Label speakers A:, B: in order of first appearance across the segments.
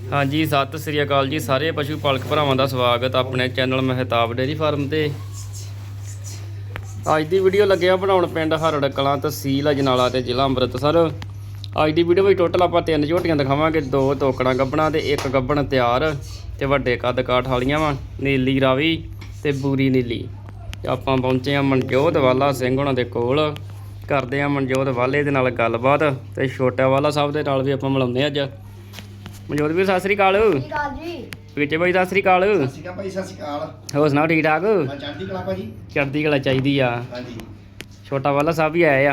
A: हाँ जी सत श्री अकाल जी सारे पशु पालक भरावां दा स्वागत अपने चैनल महताब डेयरी फार्म ते अज दी वीडियो लगे बनाउण पिंड हरड़ कलां तहसील अजनाला ते जिला अमृतसर। अज दी वीडियो में टोटल आप 3 झोटियां दिखावांगे, 2 तोकड़ां गब्बणां ते 1 गब्बण तैयार ते वड्डे कद काठ वालियां वा नीली रावी ते बूरी नीली। आपां पहुंचे आ मनजोत वाला सिंह हुणां दे कोल, करदे आ मनजोत वाले दे नाल गलबात ते छोटा वाला साहब दे नाल भी आपां मिलाउने अज। मनजोत भी सत श्री अकाल
B: जी।
A: विचे भाई सत श्री अकाल। होर सुनाओ ठीक ठाक? चढ़दी कला चाहिदी आ। छोटा वाला साहब भी आए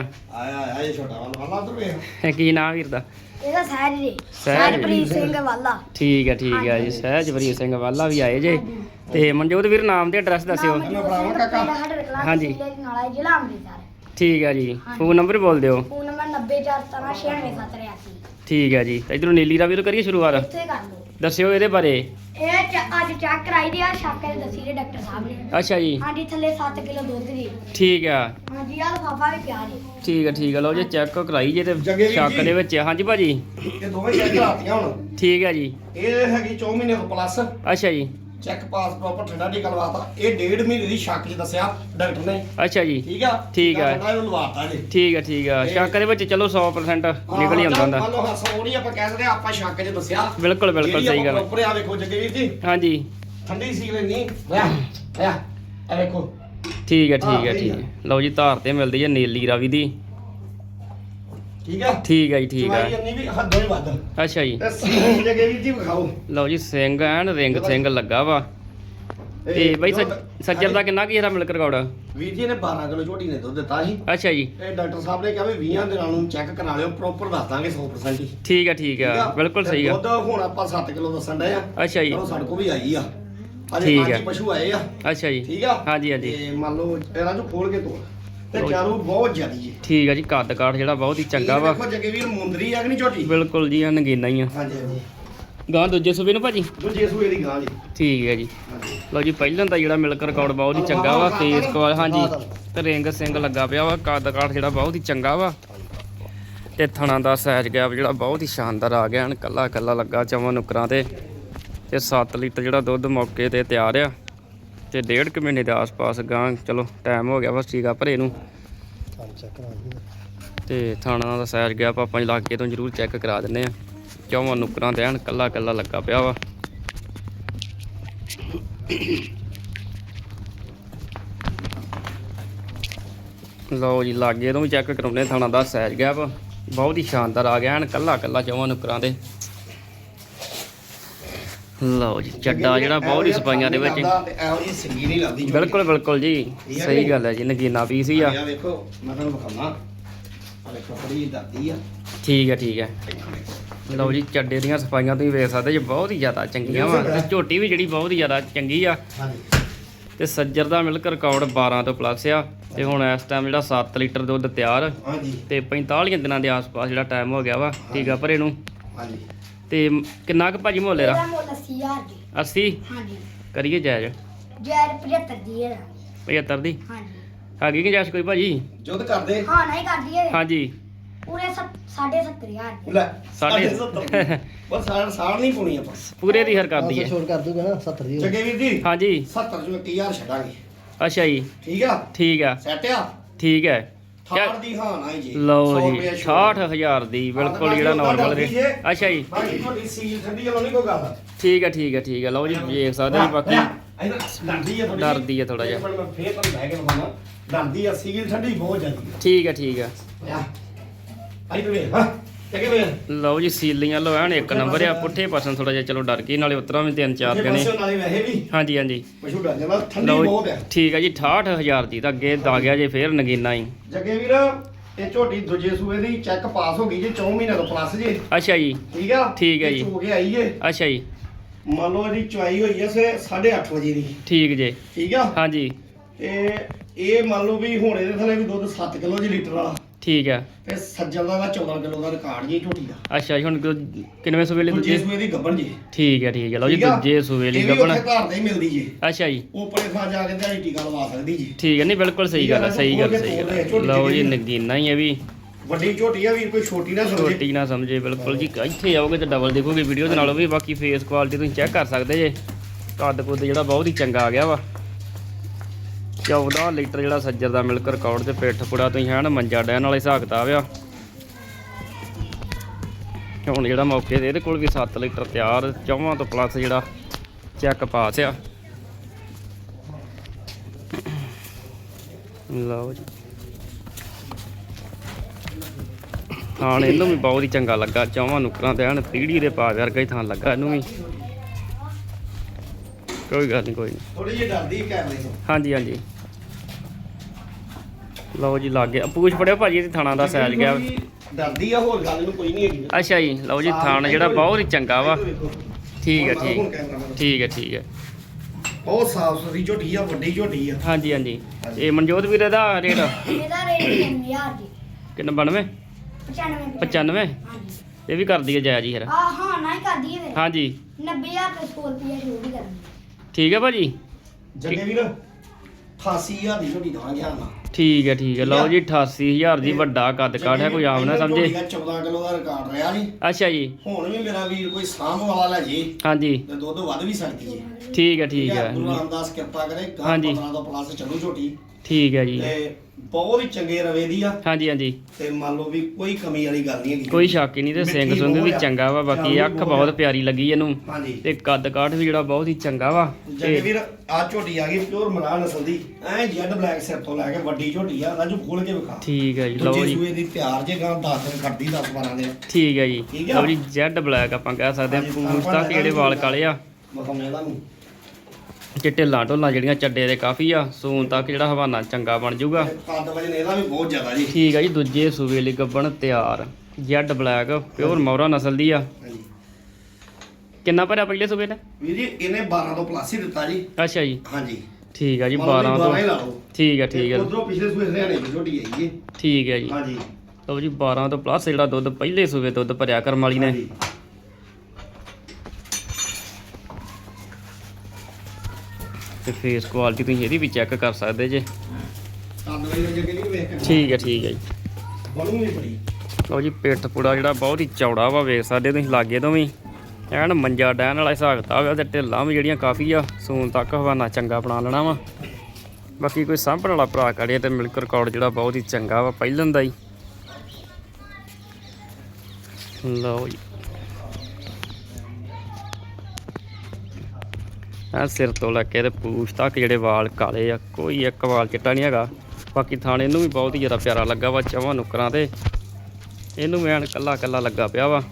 A: की नाम वीर दा?
B: सहजप्रीत सिंह वाला।
A: ठीक है जी, सहजप्रीत सिंह वाला भी आए जे। ते मनजोत वीर नाम ते एड्रैस दस्सिओ। हाँ जी ठीक है जी, फोन नंबर बोल दिओ।
B: Phone number 9041969783।
A: ठीक है जी, इधरों नीली रावी तो करिए शुरुआत, दस्सिओ ਇਹਦੇ ਬਾਰੇ।
B: ਇਹ ਅੱਜ ਚੈੱਕ ਕਰਾਈ ਦੀ ਆ, ਸ਼ੱਕ ਹੈ ਦੱਸੀ ਦੇ ਡਾਕਟਰ ਸਾਹਿਬ ਨੇ।
A: ਅੱਛਾ ਜੀ,
B: ਹਾਂਜੀ ਥੱਲੇ 7 ਕਿਲੋ ਦੁੱਧ ਦੀ।
A: ਠੀਕ ਆ।
B: ਹਾਂਜੀ ਆ ਲਫਾਫਾ ਵੀ ਪਿਆ ਜੀ।
A: ਠੀਕ ਹੈ ਲਓ ਜੀ ਚੈੱਕ ਕਰਾਈ ਜੇ ਤੇ ਸ਼ੱਕ ਦੇ ਵਿੱਚ। ਹਾਂਜੀ ਭਾਜੀ
C: ਇਹ ਦੋਵੇਂ ਚੈੱਕ ਕਰਾਤੀਆਂ ਹੁਣ।
A: ਠੀਕ ਹੈ ਜੀ,
C: ਇਹ ਹੈਗੀ 4 ਮਹੀਨੇ ਤੋਂ ਪਲੱਸ।
A: ਅੱਛਾ ਜੀ,
C: ਚੈੱਕ ਪਾਸ ਪ੍ਰੋਪਰ ਠੰਡਾ ਟੀਕਾ ਲਵਾਤਾ। ਇਹ 1.5 ਮਹੀਨੇ ਦੀ ਸ਼ੱਕ 'ਚ ਦੱਸਿਆ ਡਾਕਟਰ ਨੇ।
A: ਅੱਛਾ ਜੀ
C: ਠੀਕ ਆ ਠੰਡਾ ਇਹਨੂੰ ਲਵਾਤਾ ਜੀ।
A: ਠੀਕ ਆ ਸ਼ੱਕ ਦੇ ਵਿੱਚ ਚਲੋ 100% ਨਿਕਲ ਹੀ ਆਉਂਦਾ ਹੁੰਦਾ।
C: ਮੰਨ ਲਓ ਹੱਸੋ ਨਹੀਂ ਆਪਾਂ ਕਹਿ ਸਕਦੇ, ਆਪਾਂ ਸ਼ੱਕ 'ਚ ਦੱਸਿਆ।
A: ਬਿਲਕੁਲ ਸਹੀ ਗੱਲ।
C: ਪ੍ਰੋਪਰ ਆ ਵੇਖੋ ਜੱਗੇ ਵੀਰ ਜੀ।
A: ਹਾਂਜੀ
C: ਠੰਡੀ ਸੀ ਲੈਣੀ ਆ ਵੇਖੋ।
A: ਠੀਕ ਹੈ ਲਓ ਜੀ ਧਾਰ ਤੇ ਮਿਲਦੀ ਹੈ ਨੀਲੀ ਰਾਵੀ ਦੀ। ਠੀਕ ਹੈ ਜੀ, ਠੀਕ ਆ।
C: ਚਵਾਈ ਵੀ ਹੱਦੋਂ ਹੀ ਵੱਧ।
A: ਅੱਛਾ ਜੀ
C: ਤੇ ਸਿੰਘ ਜੱਗੇ ਵੀਰ ਜੀ ਵਿਖਾਓ।
A: ਲਓ ਜੀ ਸਿੰਘ ਐਨ ਰਿੰਗ ਸਿੰਘ ਲੱਗਾ ਵਾ। ਤੇ ਬਈ ਸੱਜਰ ਦਾ ਕਿੰਨਾ ਕੀ ਇਹਦਾ ਮਿਲਕ ਰਿਕਾਰਡ?
C: ਵੀਰ ਜੀ ਨੇ 12 ਕਿਲੋ ਝੋਟੀ ਨੇ ਦੁੱਧ ਦਿੱਤਾ ਸੀ।
A: ਅੱਛਾ ਜੀ,
C: ਇਹ ਡਾਕਟਰ ਸਾਹਿਬ ਨੇ ਕਿਹਾ ਵੀ 20 ਦਿਨਾਂ ਨੂੰ ਚੈੱਕ ਕਰਾ ਲਿਓ, ਪ੍ਰੋਪਰ ਦੱਸ ਦਾਂਗੇ 100% ਹੀ।
A: ਠੀਕ ਆ ਬਿਲਕੁਲ ਸਹੀ ਆ।
C: ਦੁੱਧ ਹੁਣ ਆਪਾਂ 7 ਕਿਲੋ ਦੱਸਣ ਡਏ ਆ।
A: ਅੱਛਾ ਜੀ,
C: ਚਲੋ ਸਾਡੇ ਕੋਲ ਵੀ ਆਈ ਆ।
A: ਠੀਕ ਆ।
C: ਪਸ਼ੂ ਆਏ ਆ।
A: ਅੱਛਾ ਜੀ,
C: ਠੀਕ ਆ।
A: ਹਾਂਜੀ
C: ਤੇ ਮੰਨ ਲਓ ਇਹਨਾਂ ਨੂੰ ਖੋਲ ਕੇ ਤੋੜ ਤੇ ਚਾਰੂ ਬਹੁਤ ਜ਼ਿਆਦੀ ਜੀ।
A: ਠੀਕ ਆ ਜੀ, ਕੱਦ ਕਾਠ ਜਿਹੜਾ ਬਹੁਤ ਹੀ ਚੰਗਾ ਵਾ।
C: ਦੇਖੋ ਜੱਗੇ ਵੀਰ ਮੁੰਦਰੀ ਆ ਕਿ ਨਹੀਂ ਝੋਟੀ?
A: ਬਿਲਕੁਲ ਜੀ, ਆ ਨਗੀਨਾ ਹੀ ਆ।
C: ਹਾਂਜੀ
A: ਗਾਂ ਦੂਜੇ ਸੂਬੇ ਨੂੰ ਭਾਜੀ?
C: ਦੂਜੇ ਸੂਏ ਦੀ ਗਾਂ ਜੀ।
A: ਠੀਕ ਹੈ ਜੀ। ਲਓ ਜੀ ਪਹਿਲਾਂ ਤਾਂ ਜਿਹੜਾ ਮਿਲਕ ਰਿਕਾਰਡ ਬਹੁਤ ਹੀ ਚੰਗਾ ਵਾ। ਤੇਜ਼ ਕਵਾਲ ਹਾਂਜੀ ਤੇ ਰਿੰਗ ਸਿੰਘ ਲੱਗਾ ਪਿਆ ਵਾ। ਕੱਦ ਕਾਠ ਜਿਹੜਾ ਬਹੁਤ ਹੀ ਚੰਗਾ ਵਾ ਤੇ ਥਣਾ ਦਾ ਸਾਈਜ਼ ਗੈਪ ਜਿਹੜਾ ਬਹੁਤ ਹੀ ਸ਼ਾਨਦਾਰ ਆ ਗਿਆ। ਕੱਲਾ ਲੱਗਾ ਚਵਾਂ ਨੁਕਰਾਂ ਤੇ 7 ਲੀਟਰ ਜਿਹੜਾ ਦੁੱਧ ਮੌਕੇ ਤੇ ਤਿਆਰ ਆ ਤੇ 1.5 ਮਹੀਨੇ ਦੇ ਆਸ-ਪਾਸ ਗਾਂ। ਚਲੋ ਟਾਈਮ ਹੋ ਗਿਆ ਬਸ ਠੀਕ ਆ ਭਰੇ ਨੂੰ। ਤੇ ਥਾਣਾ ਦਾ ਸਾਈਜ਼ ਗੈਪ ਆਪਾਂ ਇਲਾਕੇ ਤੋਂ ਜ਼ਰੂਰ ਚੈੱਕ ਕਰਾ ਦਿੰਦੇ ਆ। ਚੌਵਾਂ ਨੁਕਰਾਂ ਤੇ ਐਨ ਕੱਲਾ ਲੱਗਾ ਪਿਆ ਵਾ। ਲਓ ਜੀ ਲਾਗੇ ਤੋਂ ਵੀ ਚੈੱਕ ਕਰਾਉਂਦੇ ਥਾਣਾ ਦਾ ਸਾਈਜ਼ ਗੈਪ ਬਹੁਤ ਹੀ ਸ਼ਾਨਦਾਰ ਆ ਗਿਆ। ਐਨ ਕੱਲਾ ਚੌਵਾਂ ਨੁਕਰਾਂ ਤੇ। ਲਓ ਜੀ ਚੱਡਾ ਜਿਹੜਾ ਬਹੁਤ ਹੀ ਸਫਾਈਆਂ ਦੇ ਵਿੱਚ।
C: ਇਹੋ ਜੀ ਸੰਗੀ ਨਹੀਂ ਲੱਗਦੀ।
A: ਬਿਲਕੁਲ ਜੀ ਸਹੀ ਗੱਲ ਹੈ ਜੀ, ਨਗੀਨਾ ਪੀਸ ਹੀ ਆ।
C: ਵੇਖੋ ਮੈਂ ਤੁਹਾਨੂੰ ਵਿਖਾਉਣਾ। ਆ ਵੇਖੋ ਬੜੀ ਦਰਦੀ ਆ।
A: ਠੀਕ ਹੈ ਲਓ ਜੀ ਚੱਡੇ ਦੀਆਂ ਸਫਾਈਆਂ ਤੁਸੀਂ ਵੇਖ ਸਕਦੇ ਜੀ, ਬਹੁਤ ਹੀ ਜ਼ਿਆਦਾ ਚੰਗੀਆਂ ਵਾ। ਤੇ ਝੋਟੀ ਵੀ ਜਿਹੜੀ ਬਹੁਤ ਹੀ ਜ਼ਿਆਦਾ ਚੰਗੀ ਆ। ਤੇ ਸੱਜਰ ਦਾ ਮਿਲਕ ਰਿਕਾਰਡ 12 ਤੋਂ ਪਲੱਸ ਆ। ਤੇ ਹੁਣ ਇਸ ਟਾਈਮ ਜਿਹੜਾ 7 ਲੀਟਰ ਦੁੱਧ ਤਿਆਰ ਤੇ 45 ਦਿਨਾਂ ਦੇ ਆਸ-ਪਾਸ ਜਿਹੜਾ ਟਾਈਮ ਹੋ ਗਿਆ ਵਾ ਠੀਕ ਆ ਭਰੇ ਨੂੰ। ਤੇ ਕਿੰਨਾ ਕੁ ਭਾਜੀ ਮੁੱਲ ਇਹਦਾ? 80 ਕਰੀਏ ਜਾਇਜ਼?
B: 75 ਦੀ ਹੈ।
A: 75 ਦੀ
B: ਹਾਂਜੀ
A: ਹੈਗੀ ਕਿ ਜਾਇਜ਼ ਕੋਈ ਭਾਜੀ?
C: ਜੁੱਧ ਕਰਦੇ
B: ਹਾਂ ਨਹੀਂ ਕਰਦੀ ਹੈ।
A: ਹਾਂਜੀ
B: ਪੂਰੇ 7,500
C: ਲੈ
A: ਸਾਢੇ
C: 70 ਬਸ ਸਾੜ ਨਹੀਂ ਪਾਉਣੀ ਆਪਾਂ।
A: ਪੂਰੇ ਦੀ ਹਰ ਕਰਦੀ ਹੈ।
D: ਛੋੜ ਕਰ ਦੂਗਾ ਨਾ 70 ਦੀ।
C: ਜੱਗੇ ਵੀਰ ਜੀ
A: ਹਾਂਜੀ
C: 70 ਚੋਂ 1000 ਛੱਡਾਂਗੇ।
A: ਅੱਛਾ ਜੀ
C: ਠੀਕ ਆ ਸੈਟ ਆ।
A: ਠੀਕ ਹੈ
C: ਥਾੜ ਦੀ ਹਾਂ ਨਾ ਜੀ।
A: ਲਓ ਜੀ 68000 ਦੀ ਬਿਲਕੁਲ ਜਿਹੜਾ ਨਾਰਮਲ ਰੇਟ। ਅੱਛਾ ਜੀ
C: ਬਾਕੀ ਤੁਹਾਡੀ ਸੀਲ ਠੰਡੀ ਵਾਲੀ ਨਹੀਂ ਕੋਈ ਗੱਲ।
A: ਠੀਕ ਹੈ ਲਓ ਜੀ ਵੇਖ ਸਕਦੇ ਜੀ। ਬਾਕੀ ਡਰਦੀ ਆ ਥੋੜਾ ਜਿਹਾ।
C: ਮੈਂ ਫੇਰ ਤੁਹਾਨੂੰ ਲੈ ਕੇ ਦਿਖਾਉਣਾ। ਡਰਦੀ ਆ, ਸੀਲ ਠੰਡੀ ਬਹੁਤ ਜਾਂਦੀ
A: ਠੀਕ ਹੈ
C: ਆਈ ਤੇ ਵੇਖ। ਹਾਂ ਜੱਗੇ ਵੇਖ।
A: ਲਓ ਜੀ ਸੀਲੀਆਂ ਲਓ ਐਨ ਇੱਕ ਨੰਬਰ ਆ। ਪੁੱਠੇ ਪਾਸੋਂ ਥੋੜਾ ਜਿਹਾ ਚਲੋ ਡਰ ਗਈ, ਨਾਲੇ ਉਤਰਾਂ ਵੀ 3-4 ਜਣੇ।
C: ਨਾਲੇ ਵੈਸੇ ਵੀ
A: ਹਾਂਜੀ
C: ਪਸ਼ੂ ਡਰ ਜਾਂਦਾ। ਠੰਡੀ
A: ਲਓ
C: ਬਹੁਤ ਆ।
A: ਠੀਕ ਹੈ ਜੀ 68000 ਦੀ ਤਾਂ ਅੱਗੇ ਦਾ ਗਿਆ ਜੇ ਫੇਰ ਨਗੀਨਾ ਹੀ।
C: ਜੱਗੇ ਵੀਰ ਇਹ ਝੋਟੀ ਦੂਜੇ ਸੂਏ ਦੀ ਚੈੱਕ ਪਾਸ ਹੋ ਗਈ ਜੀ 4 ਮਹੀਨੇ ਤੋਂ ਪਲੱਸ ਜੀ।
A: ਅੱਛਾ ਜੀ ਠੀਕ ਹੈ ਜੀ।
C: ਹੋ ਕੇ ਆਈ ਏ।
A: ਅੱਛਾ ਜੀ
C: ਮੰਨ ਲਓ ਇਹਦੀ ਚੁਆਈ ਹੋਈ ਐ 8:30 ਵਜੇ ਦੀ। ਠੀਕ ਆ।
A: ਹਾਂਜੀ
C: ਤੇ ਇਹ ਮੰਨ ਲਓ ਵੀ ਹੁਣ ਇਹਦੇ ਥੱਲੇ ਵੀ ਦੁੱਧ 7 ਕਿਲੋ ਜੀ ਲੀਟਰ ਵਾਲਾ।
A: ਠੀਕ ਹੈ
C: ਤੇ ਸੱਜਣ ਦਾ 14 ਕਿਲੋ ਦਾ ਰਿਕਾਰਡ ਜੀ ਝੋਟੀ ਦਾ।
A: ਅੱਛਾ ਜੀ ਹੁਣ ਕਿੰਨਵੇਂ ਸੂਬੇ ਲਈ
C: ਦੂਜੇ
A: ਦੂਜੇ?
C: ਸੂਏ ਦੀ ਗੱਬਣ ਜੀ।
A: ਠੀਕ ਹੈ ਲਓ ਜੀ ਦੂਜੇ ਸੂਬੇ ਲਈ ਗੱਬਣ।
C: ਇਹ ਵੀ ਘਰ ਦੇ ਹੀ ਮਿਲਦੀ ਜੀ।
A: ਅੱਛਾ ਜੀ
C: ਉਪਰੇ ਥਾਂ ਜਾ ਕੇ ਦਿਹਾੜੀ ਟੀਕਾ ਲਵਾ ਸਕਦੀ ਜੀ।
A: ਠੀਕ ਹੈ ਨਹੀਂ ਬਿਲਕੁਲ ਸਹੀ ਗੱਲ ਹੈ। ਲਓ ਜੀ ਨਗੀਨਾ ਹੀ ਹੈ ਵੀ
C: ਵੱਡੀ ਝੋਟੀ ਆ ਵੀਰ, ਕੋਈ ਛੋਟੀ ਨਾ ਸਮਝੇ।
A: ਛੋਟੀ ਨਾ ਸਮਝੇ ਬਿਲਕੁਲ ਜੀ। ਇੱਥੇ ਆਓਗੇ ਤੇ ਡਬਲ ਦੇਖੋਗੇ ਵੀਡੀਓ ਦੇ ਨਾਲੋਂ ਵੀ। ਬਾਕੀ ਫੇਸ ਕੁਆਲਿਟੀ ਤੁਸੀਂ ਚੈੱਕ ਕਰ ਸਕਦੇ ਜੇ। ਕੱਦ ਕੁੱਦ ਜਿਹੜਾ ਬਹੁਤ ਹੀ ਚੰਗਾ ਆ ਗਿਆ ਵਾ। 14 ਲੀਟਰ ਜਿਹੜਾ ਸੱਜਰ ਦਾ ਮਿਲਕ ਰਿਕਾਰਡ ਤੇ ਪਿੱਠ ਪੁੜਾ ਤੁਸੀਂ ਹੈ ਨਾ ਮੰਜਾ ਡੈਨ ਵਾਲੇ ਹਿਸਾਬ ਕਿਤਾਬ ਆ। ਹੁਣ ਜਿਹੜਾ ਮੌਕੇ ਤੇ ਇਹਦੇ ਕੋਲ ਵੀ 7 ਲੀਟਰ ਤਿਆਰ, 4 ਤੋਂ ਪਲੱਸ ਜਿਹੜਾ ਚੈੱਕ ਪਾਸ ਆ। ਲਓ ਜੀ ਥਾਣ ਇਹਨੂੰ ਵੀ ਬਹੁਤ ਹੀ ਚੰਗਾ ਲੱਗਾ। 4 ਨੁਕਰਾਂ ਤੇ ਐਨ ਪੀੜੀ ਦੇ ਪਾ ਵਰਗਾ ਹੀ ਥਾਂ ਲੱਗਾ ਇਹਨੂੰ ਵੀ। ਕੋਈ ਗੱਲ ਨਹੀਂ, ਕੋਈ ਨਹੀਂ।
C: ਥੋੜੀ ਜਿਹੀ ਡਰਦੀ ਕੈਮਰੇ ਤੋਂ।
A: ਹਾਂਜੀ ਹਾਂਜੀ ਲਓ ਜੀ ਲੱਗ ਗਿਆ। ਪੂਛ ਫੜਿਓ ਭਾਜੀ ਇਹਦੇ ਥਾਣਾ ਦਾ ਸਾਈਜ਼ ਗਿਆ।
C: ਡਰਦੀ ਆ, ਹੋਰ ਗੱਲ ਨੂੰ ਕੋਈ ਨਹੀਂ ਹੈਗੀ।
A: ਅੱਛਾ ਜੀ ਲਓ ਜੀ ਥਾਣ ਜਿਹੜਾ ਬਹੁਤ ਹੀ ਚੰਗਾ ਵਾ। ਠੀਕ ਹੈ ਠੀਕ
C: ਹੁਣ ਕੈਮਰਾ
A: ਠੀਕ ਹੈ ਠੀਕ ਹੈ।
C: ਬਹੁਤ ਸਾਫ ਸੁਥਰੀ ਝੋਟੀ ਆ, ਵੱਡੀ ਝੋਟੀ ਆ।
A: ਹਾਂਜੀ ਹਾਂਜੀ ਇਹ ਮਨਜੋਤ ਵੀਰੇ ਦਾ ਰੇਟ
B: ਇਹਦਾ ਰੇਟ 9000 ਜੀ।
A: ਕਿੰਨਾ 92 95
B: ਹਾਂਜੀ।
A: ਇਹ ਵੀ ਕਰ ਦਈਏ ਜਾਇਜ਼ ਜੀ ਫਿਰ।
B: ਹਾਂ ਨਾ ਹੀ ਕਰ ਦਈਏ ਫਿਰ।
A: ਹਾਂਜੀ
B: 90000 ਤੇ 100 ਰੁਪਏ ਛੋੜ ਹੀ ਕਰਨੀ।
A: ਠੀਕ ਹੈ ਭਾਜੀ।
C: ਜੱਗੇ ਵੀਰ 88000 ਦੀ ਝੋਟੀ ਦਵਾਂਗੇ ਹਾਂ ਨਾ।
A: ਠੀਕ ਹੈ ਲਓ ਜੀ 88000 ਦੀ ਵੱਡਾ ਕੱਦ ਕਾਠ ਹੈ, ਕੋਈ ਆਮ ਨਾ ਸਮਝੇ।
C: 14 ਕਿਲੋ ਦਾ ਰਿਕਾਰਡ ਰਿਹਾ ਨਹੀਂ।
A: ਅੱਛਾ ਜੀ
C: ਹੁਣ ਵੀ ਮੇਰਾ ਵੀਰ ਕੋਈ ਸਾਂਭ ਵਾਲਾ ਲੈ ਜੇ
A: ਹਾਂਜੀ
C: ਤੇ ਦੁੱਧ ਵੱਧ ਵੀ ਸਕਦੀ ਜੇ।
A: ਠੀਕ ਹੈ
C: ਗੁਰੂ ਰਾਮਦਾਸ ਕਿਰਪਾ ਕਰੇ।
A: ਹਾਂਜੀ।
C: 15 ਤੋਂ ਪਲੱਸ ਚੱਲੂ ਝੋਟੀ
A: ਠੀਕ ਹੈ ਜੀ।
C: ਤੇ ਬਹੁਤ ਹੀ ਚੰਗੇ ਰਵੇ ਦੀ ਆ।
A: ਹਾਂਜੀ ਹਾਂਜੀ
C: ਤੇ ਮੰਨ ਲਓ ਵੀ ਕੋਈ ਕਮੀ ਵਾਲੀ ਗੱਲ ਨਹੀਂ ਹੈਗੀ।
A: ਕੋਈ ਸ਼ੱਕ ਹੀ ਨਹੀਂ। ਤੇ ਸਿੰਘ ਸੁੰਗ ਵੀ ਚੰਗਾ ਵਾ। ਬਾਕੀ ਅੱਖ ਬਹੁਤ ਪਿਆਰੀ ਲੱਗੀ ਇਹਨੂੰ
C: ਹਾਂਜੀ।
A: ਤੇ ਕੱਦ ਕਾਠ ਵੀ ਜਿਹੜਾ ਬਹੁਤ ਹੀ ਚੰਗਾ ਵਾ।
C: ਜੱਗੇ ਵੀਰ ਆ ਝੋਟੀ ਆ ਗਈ ਪਿਓਰ ਮਰਾ ਨਸਲ ਦੀ, ਐ ਜੈਡ ਬਲੈਕ ਸਿਰ ਤੋਂ ਲੈ ਕੇ ਵੱਡੀ ਝੋਟੀ ਆ। ਰਾਜੂ ਖੋਲ ਕੇ ਵਿਖਾ।
A: ਠੀਕ ਹੈ ਜੀ ਲਓ
C: ਦੂਜੇ
A: ਜੀ
C: ਸੂਏ ਦੀ ਤਿਆਰ ਜੇ ਗਾਂ 10 ਦਿਨ ਕੱਢਦੀ 10 12 ਦਿਨ।
A: ਠੀਕ ਹੈ ਜੀ
C: ਠੀਕ ਆ।
A: ਲਓ ਜੀ ਜੈਡ ਬਲੈਕ ਆਪਾਂ ਕਹਿ ਸਕਦੇ
C: ਹਾਂਜੀ,
A: ਹਾਂ। ਪੂਛ ਤੱਕ ਜਿਹੜੇ ਵਾਲ ਕਾਲੇ ਆ,
C: ਮਖਾਉਣੇ ਤੁਹਾਨੂੰ
A: ਤੇ ਢਿੱਲਾਂ ਢੋਲਾਂ ਜਿਹੜੀਆਂ ਚੱਡੇ ਦੇ ਕਾਫੀ ਆ। ਸੂਨ ਤੱਕ ਜਿਹੜਾ ਹਵਾਨਾ ਚੰਗਾ ਬਣ ਜਾਊਗਾ।
C: ਕੱਦ ਵਜਨ ਇਹਦਾ ਵੀ ਬਹੁਤ ਜ਼ਿਆਦਾ ਜੀ।
A: ਠੀਕ ਹੈ ਜੀ ਦੂਜੇ ਸੂਬੇ ਲਈ ਗੱਬਣ ਤਿਆਰ, ਜੈਡ ਬਲੈਕ ਪਿਓਰ ਮੌਰਾ ਨਸਲ ਦੀ ਆ।
C: ਹਾਂਜੀ
A: ਕਿੰਨਾ ਭਰਿਆ ਪਹਿਲੇ ਸੂਬੇ ਨੇ?
C: ਵੀਰ ਜੀ ਇਹਨੇ 12 ਤੋਂ ਪਲੱਸ ਹੀ ਦਿੱਤਾ ਜੀ।
A: ਅੱਛਾ ਜੀ
C: ਹਾਂਜੀ
A: ਠੀਕ ਹੈ ਜੀ
C: ਮੰਨ ਲਓ
A: 12
C: ਵੀ
A: ਤੋਂ।
C: 12 ਹੀ ਲਾ ਲਓ।
A: ਠੀਕ ਹੈ
C: ਉਧਰੋਂ ਪਿਛਲੇ ਸੂਏ ਹਰਿਆਣੇ ਦੀ ਝੋਟੀ ਆਈ ਜੀ।
A: ਠੀਕ ਹੈ ਜੀ
C: ਹਾਂਜੀ
A: ਲਓ ਜੀ 12 ਤੋਂ ਪਲੱਸ ਜਿਹੜਾ ਦੁੱਧ ਪਹਿਲੇ ਸੂਬੇ ਦੁੱਧ ਭਰਿਆ ਕਰਮ ਵਾਲੀ ਨੇ।
C: ਹਾਂਜੀ।
A: ਤੇ ਫੇਸ ਕੁਆਲਿਟੀ ਤੁਸੀਂ ਇਹਦੀ ਵੀ ਚੈੱਕ ਕਰ ਸਕਦੇ ਜੇ।
C: ਕੱਦ ਵਜਨ ਜੱਗੇ ਨਹੀਂ ਵੇਖ ਕੇ
A: ਠੀਕ ਹੈ ਜੀ
C: ਬਣੂ ਵੀ ਬੜੀ।
A: ਲਓ ਜੀ ਪਿੱਠ ਪੁੜਾ ਜਿਹੜਾ ਬਹੁਤ ਹੀ ਚੌੜਾ ਵਾ, ਵੇਖ ਸਕਦੇ ਤੁਸੀਂ ਲਾਗੇ ਤੋਂ ਵੀ। ਐਨ ਮੰਜਾ ਡੈਨ ਵਾਲਾ ਹਿਸਾਬ ਕਿਤਾਬ ਆ। ਤੇ ਢਿੱਲਾਂ ਵੀ ਜਿਹੜੀਆਂ ਕਾਫੀ ਆ। ਸੂਨ ਤੱਕ ਹਵਾਨਾ ਚੰਗਾ ਬਣਾ ਲੈਣਾ ਵਾ। ਬਾਕੀ ਕੋਈ ਸਾਂਭਣ ਵਾਲਾ ਭਰਾ ਕੜੇ ਤੇ ਮਿਲਕ ਰਿਕਾਰਡ ਜਿਹੜਾ ਬਹੁਤ ਹੀ ਚੰਗਾ ਵਾ ਪਹਿਲਾਂ ਦਾ ਹੀ। ਲਓ ਜੀ ਆ ਸਿਰ ਤੋਂ ਲੈ ਕੇ ਤੇ ਪੂਛ ਤੱਕ ਜਿਹੜੇ ਵਾਲ ਕਾਲੇ ਆ, ਕੋਈ ਇੱਕ ਵਾਲ ਚਿੱਟਾ ਨਹੀਂ ਹੈਗਾ। ਬਾਕੀ ਥਾਣੇ ਇਹਨੂੰ ਵੀ ਬਹੁਤ ਹੀ ਜ਼ਿਆਦਾ ਪਿਆਰਾ ਲੱਗਾ ਵਾ। 4 ਨੁਕਰਾਂ ਤੇ ਇਹਨੂੰ ਵੀ ਐਨ ਕੱਲਾ ਕੱਲਾ ਲੱਗਾ ਪਿਆ ਵਾ।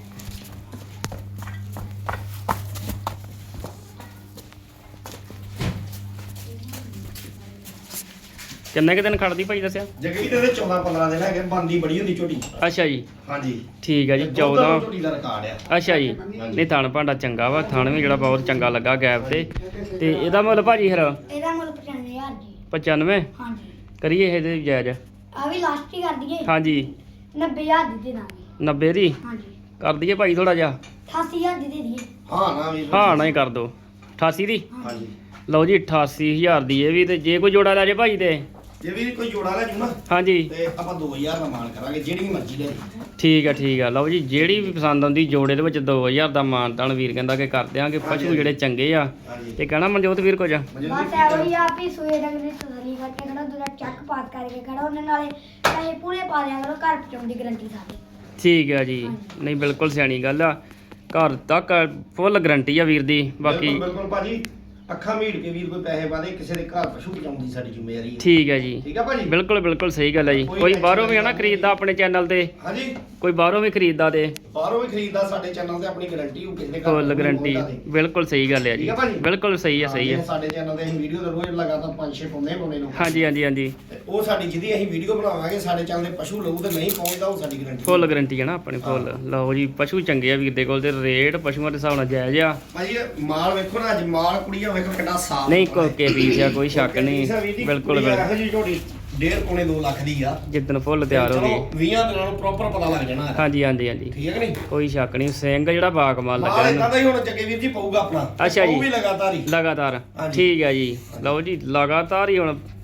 A: ਕਿੰਨੇ ਕੁ ਦਿਨ ਖੜਦੀ ਭਾਈ ਦੱਸਿਆ?
C: ਜੱਗੇ ਜੀ ਇਹਦੇ 14 15 ਦਿਨ ਹੈਗੇ। ਬੰਦੀ ਬੜੀ ਹੁੰਦੀ ਝੋਟੀ।
A: ਅੱਛਾ ਜੀ
C: ਹਾਂਜੀ
A: ਠੀਕ ਹੈ ਜੀ
C: ਤੇ ਦੁੱਧ
A: 14।
C: ਝੋਟੀ ਦਾ ਰਿਕਾਰਡ ਆ।
A: ਅੱਛਾ ਜੀ ਨਹੀਂ ਥਣ ਭਾਂਡਾ ਚੰਗਾ ਵਾ। ਥਣ ਵੀ ਜਿਹੜਾ ਬਹੁਤ ਚੰਗਾ ਲੱਗਾ ਗੈਪ ਤੇ। ਤੇ ਇਹਦਾ ਮੁੱਲ ਭਾਜੀ ਫਿਰ
B: ਇਹਦਾ ਮੁੱਲ 95000 ਜੀ।
A: 95
B: ਹਾਂਜੀ
A: ਕਰੀਏ ਇਹਦੇ ਜਾਇਜ਼?
B: ਆ ਵੀ ਲਾਸਟ ਹੀ ਕਰ ਦਈਏ।
A: ਹਾਂਜੀ
B: 90000 ਦੀ ਦੇ ਦਾਂਗੇ।
A: 90 ਦੀ
B: ਹਾਂਜੀ
A: ਕਰ ਦਈਏ ਭਾਈ ਥੋੜਾ ਜਿਹਾ।
B: 88000 ਦੀ ਦੇ ਦਈਏ।
C: ਹਾਂ ਨਾ ਵੀਰ।
A: ਹਾਂ ਨਾ ਹੀ ਕਰ ਦੋ 88 ਦੀ।
C: ਹਾਂਜੀ
A: ਲਓ ਜੀ 88000 ਦੀ ਇਹ ਵੀ। ਤੇ ਜੇ ਕੋਈ ਜੋੜਾ ਲੈ ਜੇ ਭਾਈ ਤੇ
C: ਜੇ ਵੀ ਕੋਈ ਜੋੜਾ ਲੈ ਜੂ ਨਾ
A: ਹਾਂਜੀ
C: ਤੇ ਆਪਾਂ 2000 ਦਾ ਮਾਨ ਕਰਾਂਗੇ ਜਿਹੜੀ ਮਰਜ਼ੀ ਲੈ ਲਈ।
A: ਠੀਕ ਆ ਲਓ ਜੀ ਜਿਹੜੀ ਵੀ ਪਸੰਦ ਆਉਂਦੀ ਜੋੜੇ ਦੇ ਵਿੱਚ 2000 ਦਾ ਮਾਨਤਾਨ ਵੀਰ ਕਹਿੰਦਾ ਕਿ ਕਰ ਦਿਆਂਗੇ। ਪਸ਼ੂ ਜਿਹੜੇ ਚੰਗੇ ਆ।
C: ਹਾਂਜੀ
A: ਤੇ ਕਹਿਣਾ ਮਨਜੋਤ ਵੀਰ ਕੁਝ?
B: ਬਸ ਇਹੋ ਹੀ ਆ ਵੀ ਸੂਏ ਡੰਗ ਦੀ ਤਸੱਲੀ ਕਰਕੇ ਖੜਾ ਦੂਰਾ ਚੱਕ ਪਾਸ ਕਰਕੇ ਖੜਾ ਉਹਨਾਂ ਨਾਲੇ ਪੈਸੇ ਪੂਰੇ ਪਾ ਦਿਆ ਕਰੋ। ਘਰ ਪਹੁੰਚਾਉਣ ਦੀ ਗਾਰੰਟੀ ਸਾਡੀ।
A: ਠੀਕ ਆ ਜੀ ਨਹੀਂ ਬਿਲਕੁਲ ਸਿਆਣੀ ਗੱਲ ਆ। ਘਰ ਤੱਕ ਫੁੱਲ ਗਰੰਟੀ ਆ ਵੀਰ ਦੀ। ਬਾਕੀ
C: ਬਿਲਕੁਲ ਭਾਜੀ ਅੱਖਾਂ ਮੀਟ ਕੇ ਵੀਰ ਕੋਈ ਪੈਸੇ ਪਾ ਦੇ, ਕਿਸੇ ਦੇ ਘਰ ਪਸ਼ੂ ਪਹੁੰਚਾਉਣ ਦੀ ਸਾਡੀ ਜ਼ਿੰਮੇਵਾਰੀ ਹੈ।
A: ਠੀਕ ਹੈ ਜੀ
C: ਠੀਕ ਆ ਭਾਜੀ।
A: ਬਿਲਕੁਲ ਸਹੀ ਗੱਲ ਹੈ ਜੀ। ਕੋਈ ਬਾਹਰੋਂ ਵੀ ਹੈ ਨਾ ਖਰੀਦਦਾ ਆਪਣੇ ਚੈਨਲ ਤੇ?
C: ਹਾਂਜੀ
A: ਕੋਈ ਬਾਹਰੋਂ ਵੀ ਖਰੀਦਦਾ ਤੇ
C: ਬਾਹਰੋਂ ਵੀ ਖਰੀਦਦਾ ਸਾਡੇ ਚੈਨਲ ਤੇ ਆਪਣੀ ਗਾਰੰਟੀ ਹੋ ਕਿਸੇ ਦੇ ਘਰ
A: ਫੁੱਲ ਗਰੰਟੀ। ਬਿਲਕੁਲ ਸਹੀ ਗੱਲ ਹੈ ਜੀ।
C: ਠੀਕ ਆ ਭਾਜੀ।
A: ਬਿਲਕੁਲ ਸਹੀ ਹੈ
C: ਸਾਡੇ ਚੈਨਲ ਤੇ ਅਸੀਂ ਵੀਡੀਓ ਦਾ ਰੋਜ਼ ਲਗਾਤਾਰ 5-6 ਪਾਉਂਦੇ ਲੋਕ।
A: ਹਾਂਜੀ
C: ਤੇ ਉਹ ਸਾਡੀ ਜਿਹਦੀ ਅਸੀਂ ਵੀਡੀਓ ਬਣਾਵਾਂਗੇ ਸਾਡੇ ਚੈਨਲ ਤੇ ਪਸ਼ੂ ਲਊ ਤੇ ਨਹੀਂ ਪਹੁੰਚਦਾ ਉਹ ਸਾਡੀ ਗਾਰੰਟੀ।
A: ਫੁੱਲ ਗਰੰਟੀ ਹੈ ਨਾ ਆਪਣੀ ਫੁੱਲ। ਲਓ ਜੀ ਪਸ਼ੂ ਚੰਗੇ ਆ ਵੀਰ ਦੇ ਕੋਲ। ਤੇ ਰੇਟ ਪਸ਼ੂਆਂ ਦੇ ਹਿਸਾਬ ਨਾਲ ਜਾਇਜ਼ ਆ।
C: ਭਾਜੀ ਇਹ ਮਾਲ ਵੇਖੋ ਨਾ, ਅੱਜ ਮਾਲ ਕੁੜੀਆਂ ਵੇਖੋ ਕਿੰਨਾ ਸਾਫ।
A: ਨਹੀਂ ਕੋਕੇ ਪੀਸ ਆ, ਕੋਈ ਸ਼ੱਕ ਨਹੀਂ। ਬਿਲਕੁਲ
C: ਇਹੋ ਜਿਹੀ ਝੋਟੀ 1.5-2 ਲੱਖ ਦੀ ਆ।
A: ਜਿੱਦਣ ਫੁੱਲ ਤਿਆਰ ਹੋ ਗਈ
C: 20 ਦਿਨਾਂ ਨੂੰ ਪ੍ਰੋਪਰ ਪਤਾ ਲੱਗ ਜਾਣਾ।
A: ਹਾਂਜੀ
C: ਠੀਕ ਹੈ ਕਿ ਨਹੀਂ?
A: ਕੋਈ ਸ਼ੱਕ ਨਹੀਂ। ਸਿੰਘ ਜਿਹੜਾ ਬਾਕਮਾਲ ਲੱਗਾ
C: ਮਾਲ
A: ਇਹਨੂੰ।
C: ਇਦਾਂ ਦਾ ਹੀ ਹੁਣ ਜੱਗੇ ਵੀਰ ਜੀ ਪਊਗਾ ਆਪਣਾ।
A: ਅੱਛਾ ਜੀ।
C: ਉਹ ਵੀ ਲਗਾਤਾਰ ਹੀ।
A: ਲਗਾਤਾਰ
C: ਹਾਂਜੀ।
A: ਠੀਕ ਹੈ ਜੀ। ਲਓ ਜੀ ਲਗਾਤਾਰ ਹੀ ਹੁਣ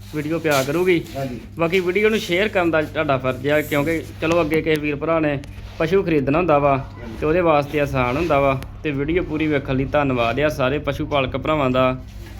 C: ਵੀਡੀਓ ਪਿਆ ਕਰੂਗੀ।
A: ਹਾਂਜੀ
C: ਬਾਕੀ ਵੀਡੀਓ ਨੂੰ ਸ਼ੇਅਰ ਕਰਨ ਦਾ ਤੁਹਾਡਾ ਫਰਜ਼ ਆ, ਕਿਉਂਕਿ ਚਲੋ ਅੱਗੇ ਕਿਸੇ ਵੀਰ ਭਰਾ ਨੇ ਪਸ਼ੂ ਖਰੀਦਣਾ ਹੁੰਦਾ ਵਾ ਤੇ ਉਹਦੇ ਵਾਸਤੇ ਆਸਾਨ ਹੁੰਦਾ ਵਾ। ਤੇ ਵੀਡੀਓ ਪੂਰੀ ਵੇਖਣ ਲਈ ਧੰਨਵਾਦ ਆ ਸਾਰੇ ਪਸ਼ੂ ਪਾਲਕ ਭਰਾਵਾਂ ਦਾ।